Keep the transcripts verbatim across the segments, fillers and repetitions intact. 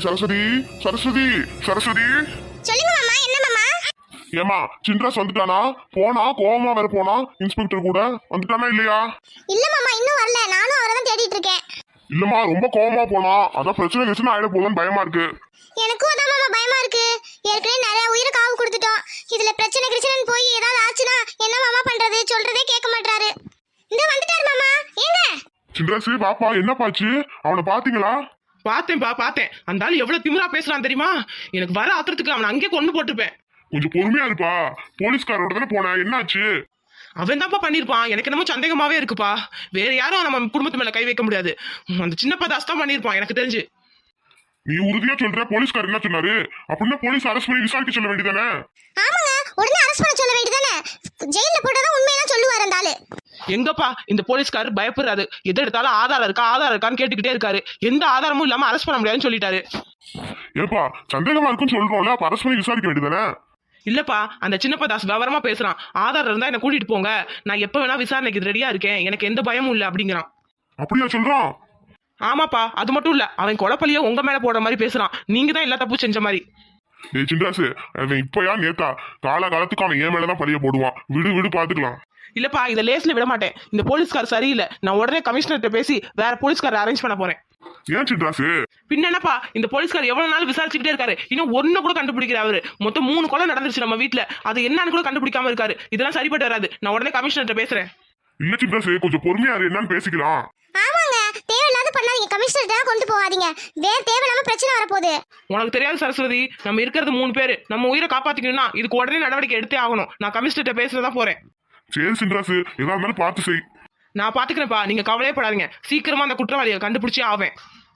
சரஸ்வதி சரஸ்வதி சரஸ்வதி சொல்லுங்க மாமா. என்ன மாமா? ஏமா சின்ராஸ் வந்துட்டானா? போனா கோவமா வேற போனா இன்ஸ்பெக்டர் கூட வந்துட்டானா இல்லையா? இல்ல மாமா, இன்னும் வரல. நானும் அவரை தான் தேடிட்டு இருக்கேன். இல்லம்மா ரொம்ப கோவமா போனா, அதான் பிரச்சனை பிரச்சனை ஆயிட போதுன்னு பயமா இருக்கு. எனக்கும் அதான் மாமா பயமா இருக்கு. ஏற்கனவே நிறைய உயிரை காவு கொடுத்துட்டோம். இதுல பிரச்சனை பிரச்சனைன்னு போய் ஏதாவது ஆச்சுன்னா என்ன மாமா பண்றது? சொல்றதே கேட்க மாட்டாரு. இந்த வந்துட்டாரு மாமா. ஏங்க சின்ராஸ் பாப்பா, என்னப்பாச்சு? அவனை பாத்தீங்களா? பார்த்தேன்பா பார்த்தேன். அந்த ஆள் எவ்வளவு திமிரா பேசுறான் தெரியுமா? எனக்கு வர ஆத்திரத்துக்கு அவனை அங்கேயே கொண்டு போட்டுருப்பேன். கொஞ்சம் பொறுமையா இருப்பா. போலீஸ்காரோட தானே போனேன், என்னாச்சு? அவன் தான்ப்பா பண்ணிருப்பான். எனக்கு என்னமோ சந்தேகமாவே இருக்குப்பா. வேற யாரும் நம்ம குடும்பத்து மேல கை வைக்க முடியாது. அந்த சின்னப்பா தாஸ் தான் பண்ணிருப்பான் எனக்கு தெரிஞ்சு. நீ உறுதியா சொல்ற? போலீஸ்கார் என்ன சொன்னாரு? அப்படின்னா போலீஸ் அரெஸ்ட் பண்ணி விசாரிக்க சொல்ல வேண்டியதானே? ஆமாங்க, உடனே அரெஸ்ட் பண்ண சொல்ல வேண்டியதானே? ஜெயில போட்டதான் உண்மையெல்லாம் சொல்லுவாரு அந்த ஆளு. எங்கப்பா இந்த போலீஸ்காரர் பயப்படுறாரு. எது எடுத்தாலும் ஆதாரம் இருக்கா ஆதாரம் இருக்கான்னு கேட்டுக்கிட்டே இருக்காரு. எந்த ஆதாரமும் இல்லாம அரெஸ்ட் பண்ண முடியாதுன்னு சொல்லிட்டாரு. ஏப்பா சந்தேகமா இருக்குன்னு சொல்றோம்ல, அப்ப அரெஸ்ட் பண்ணி விசாரிக்க வேண்டியதானே? இல்லப்பா, அந்த சின்னப்பா தாஸ் விவரமா பேசுறான். ஆதாரம் இருந்தா என்ன கூட்டிட்டு போங்க, நான் எப்ப வேணா விசாரணைக்கு ரெடியா இருக்கேன், எனக்கு எந்த பயமும் இல்ல அப்படிங்கிறான். அப்படியா சொல்றான்? ஆமாப்பா, அது மட்டும் இல்ல, அவன் கொலைப்பள்ளிய உங்க மேல போடுற மாதிரி பேசுறான். நீங்க தான் எல்லா தப்பு செஞ்ச மாதிரி. டேய் சின்ராஸ், அவன் இப்பயா நேத்தா? கால காலத்துக்கு அவன் என் மேலதான் பழிய போடுவான். விடு விடு பாத்துக்கலாம். இல்லப்பா, இதை லேஸ்ல விட மாட்டேன். இந்த போலீஸ்கார் சரியில்லை. நான் உடனே கமிஷனர்கிட்ட பேசி வேற போலீஸ்கார அரேஞ்ச் பண்ண போறேன். ஏன் சின்ராஸ்? பின்ன என்னப்பா, இந்த போலீஸ்கார் எவ்வளவு நாள் விசாரிச்சுக்கிட்டே இருக்காரு, இன்னும் ஒண்ணு கூட கண்டுபிடிக்கிற அவரு. மொத்தம் மூணு கொலை நடந்துருச்சு நம்ம வீட்டுல, அது என்னன்னு கூட கண்டுபிடிக்காம இருக்காரு. இதெல்லாம் சரிப்பட்டு வராது. நான் உடனே கமிஷனர்கிட்ட பேசுறேன். இல்ல சின்ராஸ், கொஞ்சம் பொறுமையா இரு, என்னன்னு பேசிக்கலாம். ஆமாங்க, தேவையில்லாத பண்ணாதீங்க. கமிஷனர்ட்ட கொண்டு போகாதீங்க. வேற தேவையில்லாம பிரச்சனை வரப்போகுது. உனக்கு தெரியாது சரஸ்வதி, நம்ம இருக்கிறது மூணு பேரு. நம்ம உயிரை காப்பாத்திக்கணும்னா இதுக்கு உடனே நடவடிக்கை எடுத்தே ஆகணும். நான் கமிஷனர்கிட்ட பேசுறதா போறேன். சரி சின்ராஸ், எதா இருந்தாலும் பார்த்து செய். நான் பாத்துக்கிறேன்ப்பா, நீங்க கவலையே படாதீங்க. சீக்கிரமா அந்த குற்றவாளியை கண்டுபிடிச்சே ஆவேன்.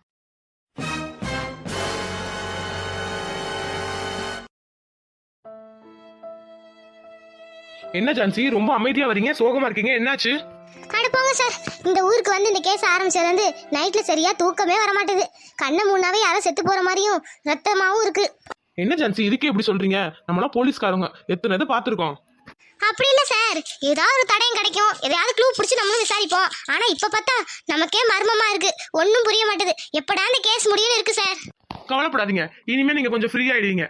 என்ன ஜான்சி, ரொம்ப அமைதியா வரீங்க, சோகமா இருக்கீங்க, என்னாச்சு? அட போங்க சார், இந்த ஊருக்கு வந்து இந்த கேஸ் ஆரம்பிச்சதுல இருந்து நைட்ல சரியா தூக்கமே வர மாட்டேது. கண்ணை மூணாவே யாரோ செத்து போற மாதிரியும் ரத்தமாவும் இருக்கு. என்ன ஜான்சி, இதுக்கே எப்படி சொல்றீங்க? நம்மளாம் போலீஸ்காரங்க, எத்தனை இதை பாத்துருக்கோம். அப்படி இல்ல சார், ஏதாவது ஒரு தடயம் கிடைக்கும், எதையாவது க்ளூ பிடிச்சி நம்மளும் விசாரிப்போம். ஆனா இப்ப பார்த்தா நமக்கே மர்மமா இருக்கு, ஒன்னும் புரிய மாட்டேது. எப்படா இந்த கேஸ் முடியும்னு இருக்கு சார். கவலைப்படாதீங்க, இனிமே நீங்க கொஞ்சம் ஃப்ரீ ஆயிடுவீங்க.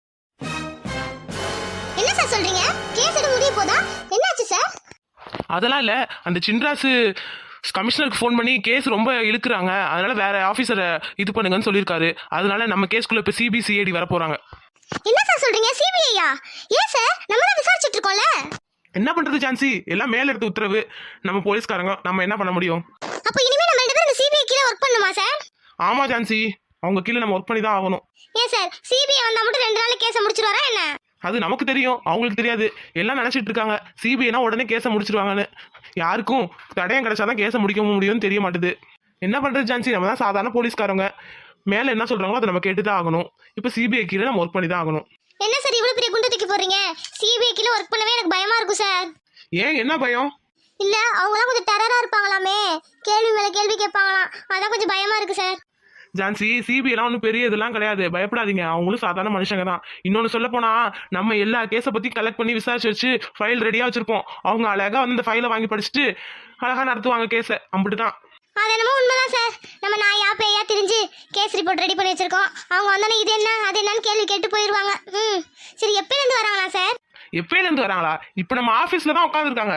என்ன சார் சொல்றீங்க? கேஸ் எடு முடிய போதா? என்னாச்சு சார்? அதெல்லாம் இல்ல, அந்த சின்ராசு கமிஷனருக்கு ஃபோன் பண்ணி கேஸ் ரொம்ப இழுக்கிறாங்க, அதனால வேற ஆபீசரை இது பண்ணுங்கன்னு சொல்லியிருக்காரு. அதனால நம்ம கேஸ்குள்ள இப்ப சிபிசிஐடி வர போறாங்க. என்ன சார் சொல்றீங்க? சிபிஐயா? ஏன் சார், நம்ம தான் விசாரிச்சிட்டு இருக்கோம்ல. என்ன பண்றது ஜான்சி, எல்லாம் மேல எடுத்து உத்தரவு. நம்ம போலீஸ்காரங்க, நம்ம என்ன பண்ண முடியும்? அப்ப இனிமே நம்ம ரெண்டு பேரும் இந்த சிபிஐ கீழ வர்க் பண்ணுமா சார்? ஆமா ஜான்சி, அவங்க கீழே நம்ம ஒர்க் பண்ணி தான் ஆகணும். ஏன் சார், சிபிஐ வந்தா மட்டும் ரெண்டு நாள்ல கேஸை முடிச்சிருவாரா என்ன? அது நமக்கு தெரியும், அவங்களுக்கு தெரியாது. எல்லாம் நினைச்சிட்டு இருக்காங்க சிபிஐனா உடனே கேஸை முடிச்சிருவாங்கன்னு. யாருக்கும் தடயம் கிடைச்சாதான் கேஸை முடிக்க முடியும்னு தெரிய மாட்டுது. என்ன பண்றது ஜான்சி, நம்ம தான் சாதாரண போலீஸ்காரங்க. மேல என்ன சொல்றாங்களோ அதை நம்ம கேட்டுதான் ஆகணும். இப்ப சிபிஐ கீழே நம்ம ஒர்க் பண்ணி தான் ஆகணும். என்ன சார் இவ்வளவு பெரிய குண்டை தூக்கி போறீங்க? சிபிஐ கீழ ஒர்க் பண்ணவே எனக்கு பயமா இருக்கும் சார். ஏன், என்ன பயம்? இல்ல, அவங்களாம் கொஞ்சம் டெரரா இருப்பாங்களாமே, கேள்வி மேல கேள்வி கேட்பாங்களாம், அதான் கொஞ்சம் பயமா இருக்கு சார். ஜான்சி, சிபிஐலாம் ஒன்றும் பெரிய இதெல்லாம் கிடையாது, பயப்படாதீங்க. அவங்களும் சாதாரண மனுஷங்க தான். இன்னொன்று சொல்ல போனா, நம்ம எல்லா கேஸை பத்தி கலெக்ட் பண்ணி விசாரிச்சு வச்சு ஃபைல் ரெடியா வச்சிருப்போம். அவங்க அழகா வந்து இந்த ஃபைலை வாங்கி படிச்சுட்டு அழகா நடத்துவாங்க கேஸை. அப்படிதான். அது என்னமோ உண்மைதான் சார். நம்ம நாயா பேயா திரிஞ்சு கேஸ் ரிப்போர்ட் ரெடி பண்ணி வச்சிருக்கோம். அவங்க வந்தானே இது என்ன அது என்னன்னு கேள்வி கேட்டு போயிடுவாங்க. ம் சரி, எப்பயில இருந்து வராங்களா சார்? எப்பயில இருந்து வராங்களா? இப்ப நம்ம ஆபீஸ்ல தான் உட்காந்துருக்காங்க.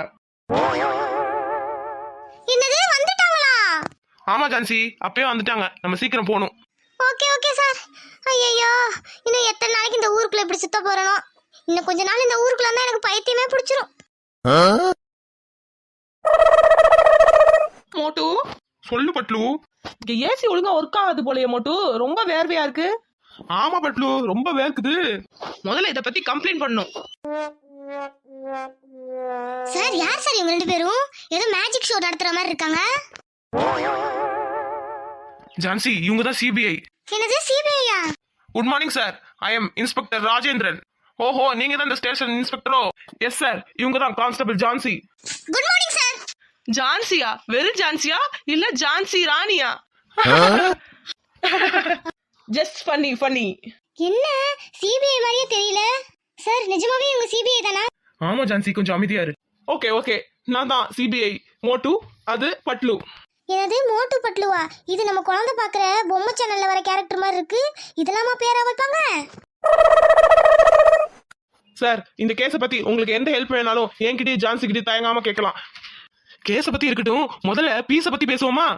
என்னது, வந்துட்டாங்களா? ஆமா ஜான்சி, அப்பயே வந்துட்டாங்க. நம்ம சீக்கிரம் போகணும். Okay okay sir. ஐயோ, இன்னும் எத்தனை நாளைக்கு இந்த ஊருக்குள்ள இப்படி சுத்த போறனோ? இன்னும் கொஞ்ச நாள் இந்த ஊருக்குள்ள இருந்தா எனக்கு பைத்தியமே பிடிச்சிரும். மோட்டு சொல்லு பட்லு. இங்க ஏசி ஒழுங்கா ஒர்க் ஆகாது போலயே மோட்டு, ரொம்ப வேர்வையா இருக்கு. ஆமா பட்லு, ரொம்ப வேர்க்குது. முதல்ல இத பத்தி கம்ப்ளைண்ட் பண்ணணும். சார், யார் சார் இவங்க ரெண்டு பேரும்? ஏதோ மேஜிக் ஷோ நடத்துற மாதிரி இருக்காங்க. ஜான்சி, இவங்க தான் சிபிஐ. என்னது, சிபிஐயா? Good morning sir, I am inspector Rajendran. ஓஹோ, நீங்க தான் இந்த ஸ்டேஷன் இன்ஸ்பெக்டரோ? எஸ் சார், இவங்க தான் constable Jhansi. Good morning sir. ஜான்சியா? வெறும் ஜான்சியா இல்ல ஜான்சி ராணியா? Just funny funny. என்ன, சிபிஐ மாதிரியே தெரியல சார். நிஜமாவே இவங்க சிபிஐ தானா? ஆமா ஜான்சி, கொஞ்சம் அமைதியா இரு. ஓகே ஓகே, நான் தான் சிபிஐ. மோட்டு, அது பட்லு. என்னது மோட்டு பட்லுவா? இது நம்ம குழந்தை பாக்குற பொம்மை சேனல்ல வர கேரக்டர் மாதிரி இருக்கு. இதெல்லாமா பேரா வைப்பாங்க? சார் இந்த கேஸை பத்தி உங்களுக்கு எந்த ஹெல்ப் வேணாலும் என்கிட்டயும் ஜான்சி கிட்டே தயங்காம கேட்கலாம். கேஸை பத்தி இருக்கட்டும், முதல்ல பீஸை பத்தி பேசுவோமா?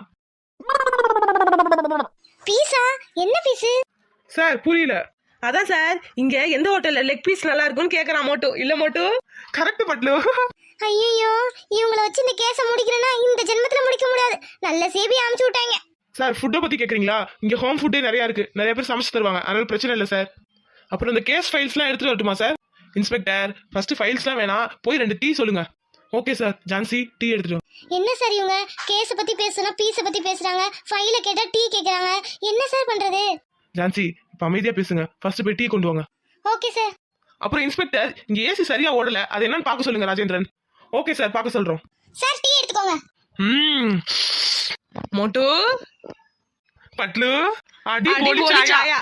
பீஸா? என்ன பீஸு சார் புரியல. அதான் சார், இங்க எந்த ஹோட்டல்ல லெக் பீஸ் நல்லா இருக்கும்னு கேக்குறான் மோட்டு. இல்ல மோட்டு? கரெக்ட் பட்லு. ஐயோ, இவங்கள வச்சு இந்த கேஸ முடிக்கிறேன்னா இந்த ஜென்மத்துல முடிக்க முடியாது. நல்ல சேபி அமுச்சு விட்டாங்க. சார் ஃபுட்டை பத்தி கேக்குறீங்களா? இங்க ஹோம் ஃபுட்டே நிறைய இருக்கு, நிறைய பேர் சமைச்சு தருவாங்க, அதனால பிரச்சனை இல்லை சார். அப்புறம் இந்த கேஸ் ஃபைல்ஸ்லாம் எடுத்துட்டு வரட்டுமா சார்? இன்ஸ்பெக்டர் ஃபர்ஸ்ட் ஃபைல்ஸ்லாம் வேணா, போய் ரெண்டு டீ சொல்லுங்க. ஓகே சார், ஜான்சி டீ எடுத்துட்டு. என்ன சார் இவங்க கேஸ பத்தி பேசுனா பீஸ பத்தி பேசுறாங்க, ஃபைல கேட்டா டீ கேக்குறாங்க. என்ன சார் பண்றது? ஜான்சி இப்ப அமைதியா பேசுங்க, ஃபர்ஸ்ட் போய் டீ கொண்டு வாங்க. Okay sir. அப்புறம் இன்ஸ்பெக்டர் இங்க ஏசி சரியா ஓடல, அது என்னன்னு பார்க்க சொல்லுங்க ராஜேந்திரன். ஓகே சார், பார்க்க சொல்றோம். சார் டீ எடுத்துக்கோங்க. ம் மோட்டு பட்லு அடி அடி போலி போலி சாயா. சாயா.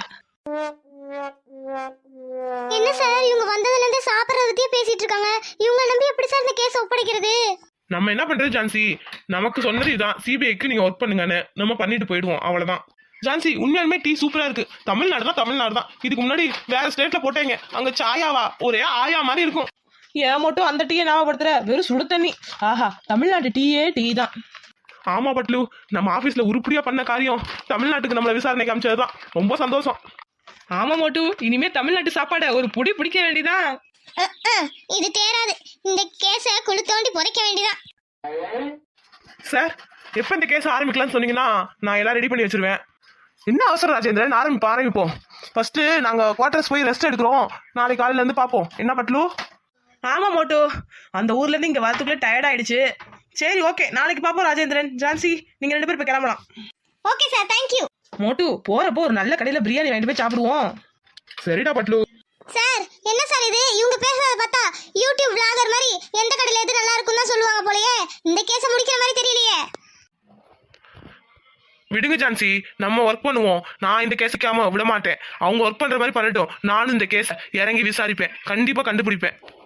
என்ன சார் இவங்க வந்ததுல இருந்து சாப்பிடறத பத்தியே பேசிட்டு இருக்காங்க. இவங்க நம்பி எப்படி சார் இந்த கேஸ் ஒப்படைக்கிறது? நம்ம என்ன பண்றது ஜான்சி, நமக்கு சொன்னது இதான், சிபிஐக்கு நீங்க ஒர்க் பண்ணுங்கன்னு. நம்ம பண்ணிட்டு போயிடுவோம், அவ்வளவுதான். ஜான்சி உண்மையாலுமே டீ சூப்பரா இருக்கு. தமிழ்நாடு தான் தமிழ்நாடு தான். இதுக்கு முன்னாடி வேற ஸ்டேட்ல போட்டேங்க, அங்க சாயாவா ஒரே ஆயா மாதிரி இருக்கும். ஏன் மோட்டு அந்த டீயை ஞாபகப்படுத்துற? வெறும் சுடு தண்ணி. ஆஹா, தமிழ்நாட்டு டீயே டீ தான். ஆமா பட்லு, நம்ம ஆபீஸ்ல உருப்படியா பண்ண காரியம் தமிழ்நாட்டுக்கு நம்மள விசாரணைக்கு அமைச்சதுதான். ரொம்ப சந்தோஷம். ஆமா மோட்டு, இனிமே தமிழ்நாட்டு சாப்பாடை ஒரு புடி பிடிக்க வேண்டியதான். அஹ், அஹ், இது தேராது. இந்த கேஸ குழு தோண்டி புதைக்க வேண்டியதான். சார் எப்ப இந்த கேஸ் ஆரம்பிக்கலாம்னு சொன்னீங்கன்னா நான் எல்லாம் ரெடி பண்ணி வச்சிருவேன். என்ன அவசரம் ராஜேந்திரன், ஆரம்பிப்போம் ஆரம்பிப்போம். ஃபர்ஸ்ட் நாங்க குவார்டர்ஸ் போய் ரெஸ்ட் எடுக்கிறோம். நாளைக்கு காலையில இருந்து பார்ப்போம். என்ன பட்லு? ஆமா மோட்டு, அந்த ஊர்ல இருந்து இங்க வரதுக்குள்ள டயர்ட் ஆயிடுச்சு. சரி ஓகே, நாளைக்கு பாப்போம். ராஜேந்திரன், ஜான்சி நீங்க ரெண்டு பேரும் போய் கிளம்பலாம். Okay sir, thank you. Motu போறப்போ ஒரு நல்ல கடையில பிரியாணி வாங்கிட்டு போய் சாப்பிடுவோம். சரிடா பட்லு. சார் என்ன சார் இது? இவங்க பேசுறத பார்த்தா யூடியூப் vlogger மாதிரி எந்த கடையில எது நல்லா இருக்குன்னு தான் சொல்லுவாங்க போலயே. இந்த கேஸ முடிக்கிற மாதிரி தெரியலையே. விடுங்க ஜான்சி, நம்ம ஒர்க் பண்ணுவோம். நான் இந்த கேஸுக்காம விட மாட்டேன். அவங்க ஒர்க் பண்ற மாதிரி பண்ணட்டும். நானும் இந்த கேஸை இறங்கி விசாரிப்பேன், கண்டிப்பா கண்டுபிடிப்பேன்.